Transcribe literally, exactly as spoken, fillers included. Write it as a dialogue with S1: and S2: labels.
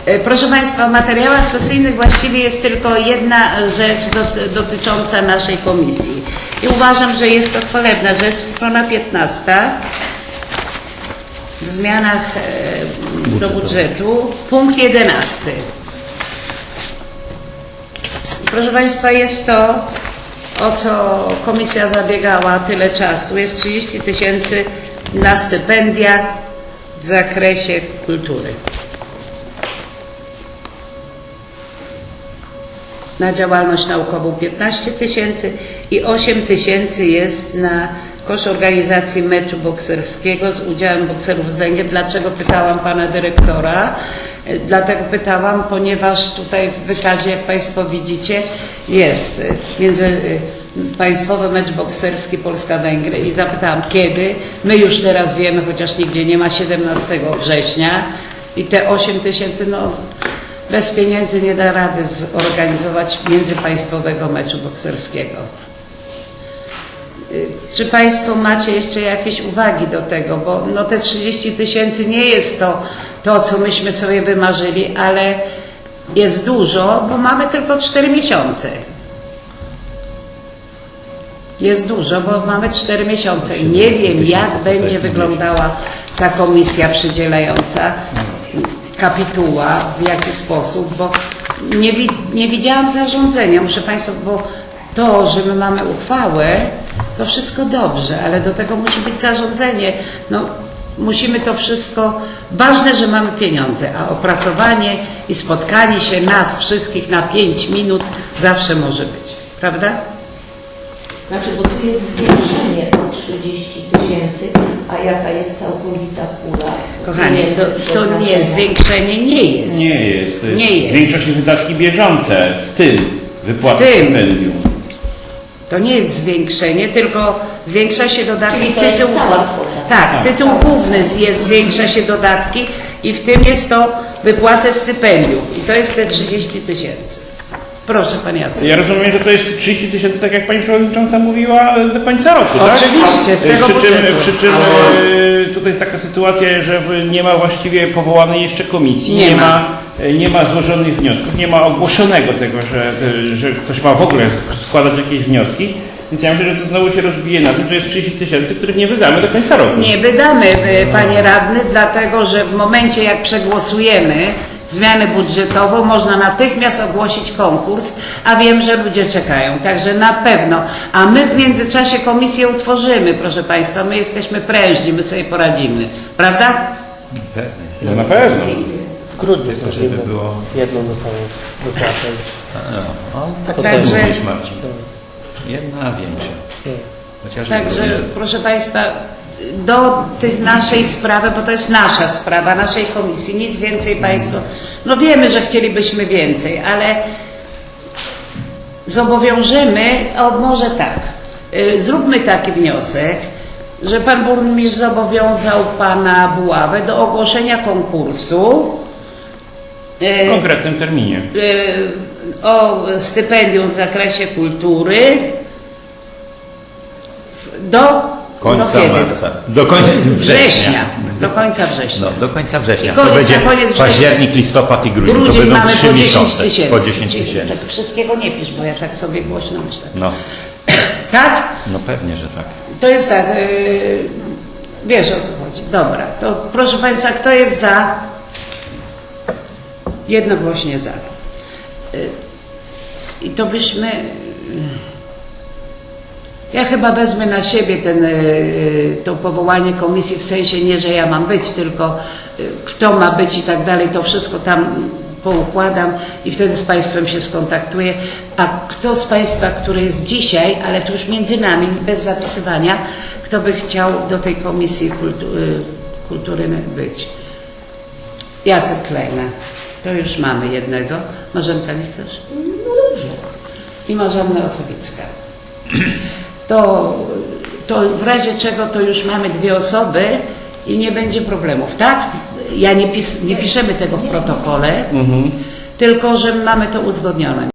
S1: Proszę Państwa, w materiałach sesyjnych właściwie jest tylko jedna rzecz dotycząca naszej komisji i uważam, że jest to chwalebna rzecz, strona piętnasta, w zmianach do budżetu, punkt jedenasty. Proszę Państwa, jest to, o co komisja zabiegała tyle czasu, jest trzydzieści tysięcy na stypendia w zakresie kultury. Na działalność naukową piętnaście tysięcy i osiem tysięcy jest na koszt organizacji meczu bokserskiego z udziałem bokserów z Węgier. Dlaczego pytałam pana dyrektora? Dlatego pytałam, ponieważ tutaj w wykazie, jak Państwo widzicie, jest międzypaństwowy mecz bokserski Polska-Węgry i zapytałam kiedy. My już teraz wiemy, chociaż nigdzie nie ma, siedemnastego września i te osiem tysięcy, no bez pieniędzy nie da rady zorganizować międzypaństwowego meczu bokserskiego. Czy Państwo macie jeszcze jakieś uwagi do tego? Bo no te trzydzieści tysięcy nie jest to, to, co myśmy sobie wymarzyli, ale jest dużo, bo mamy tylko cztery miesiące. Jest dużo, bo mamy cztery miesiące i nie wiem, jak będzie wyglądała ta komisja przydzielająca kapituła, w jaki sposób, bo nie, nie widziałam zarządzenia, muszę Państwu, bo to, że my mamy uchwałę, to wszystko dobrze, ale do tego musi być zarządzenie. No, musimy to wszystko, ważne, że mamy pieniądze, a opracowanie i spotkanie się nas wszystkich na pięć minut zawsze może być, prawda?
S2: Znaczy, bo tu jest zwiększenie o trzydzieści tysięcy, a jaka jest całkowita pula?
S1: Kochanie, to, to nie, zwiększenie nie jest.
S3: Nie jest. To jest
S1: nie jest.
S3: Zwiększa się wydatki bieżące, w tym wypłaty stypendium.
S1: To nie jest zwiększenie, tylko zwiększa się dodatki.
S2: Czyli to jest
S1: tytuł,
S2: cała kwota.
S1: tak, tak, tytuł główny jest, zwiększa się dodatki i w tym jest to wypłatę stypendium. I to jest te trzydzieści tysięcy. Proszę Pan Jacek.
S3: Ja rozumiem, że to jest trzydzieści tysięcy, tak jak Pani Przewodnicząca mówiła, do końca roku, tak?
S1: Oczywiście, z tego
S3: przy czym,
S1: budżetu.
S3: przy czym e, tutaj jest taka sytuacja, że nie ma właściwie powołanej jeszcze komisji,
S1: Nie
S3: nie,
S1: ma.
S3: ma, nie ma złożonych wniosków, nie ma ogłoszonego tego, że, że ktoś ma w ogóle składać jakieś wnioski. Więc ja myślę, że to znowu się rozbije na tym, że jest trzydzieści tysięcy, których nie wydamy do końca roku.
S1: Nie wydamy, Panie Radny, dlatego że w momencie jak przegłosujemy zmianę budżetową, można natychmiast ogłosić konkurs, a wiem, że ludzie czekają, także na pewno. A my w międzyczasie komisję utworzymy, proszę Państwa, my jesteśmy prężni, my sobie poradzimy, prawda?
S4: Pewnie.
S3: No na pewno.
S5: W grudniu
S4: To,
S5: też
S4: żeby
S5: jedną,
S4: było...
S5: jedną dostaną wypłatę.
S4: No, no, tak
S1: Także-
S4: tak mówisz, Marcin. Jedna większa. Chociaż
S1: Także, proszę Państwa, do tych naszej sprawy, bo to jest nasza sprawa, naszej komisji, nic więcej Państwo, no wiemy, że chcielibyśmy więcej, ale zobowiążemy, o może tak, y, zróbmy taki wniosek, że Pan Burmistrz zobowiązał Pana Buławę do ogłoszenia konkursu
S3: W konkretnym terminie.
S1: y, o stypendium w zakresie kultury do
S4: końca
S1: no kiedy?
S4: marca. Do końca
S1: Września.
S4: września.
S1: Do końca września.
S4: No, do końca września.
S1: I koniec,
S4: to będzie
S1: na koniec września.
S4: październik, listopad i grudzień.
S1: Grudzień
S4: to będą
S1: mamy
S4: trzy
S1: po dziesięć
S4: miesiące.
S1: tysięcy.
S4: Po dziesięć tysięcy.
S1: Tak wszystkiego nie pisz, bo ja tak sobie głośno myślę.
S4: No,
S1: Tak?
S4: no pewnie, że tak.
S1: To jest tak, yy, wiesz o co chodzi. Dobra, to proszę Państwa, kto jest za? Jednogłośnie za. Yy, I to byśmy... Yy, Ja chyba wezmę na siebie ten, y, to powołanie komisji, w sensie nie, że ja mam być, tylko y, kto ma być i tak dalej, to wszystko tam poukładam i wtedy z Państwem się skontaktuję. A kto z Państwa, który jest dzisiaj, ale tu już między nami, bez zapisywania, kto by chciał do tej komisji kultu, y, kultury być? Jacek Klejna. To już mamy jednego. Marzenka, nie chcesz?
S2: No dobrze.
S1: I Marzanna Osobicka. To, to w razie czego to już mamy dwie osoby i nie będzie problemów, tak? Ja nie, pis, nie piszemy tego w protokole,
S3: Mhm.
S1: tylko że mamy to uzgodnione.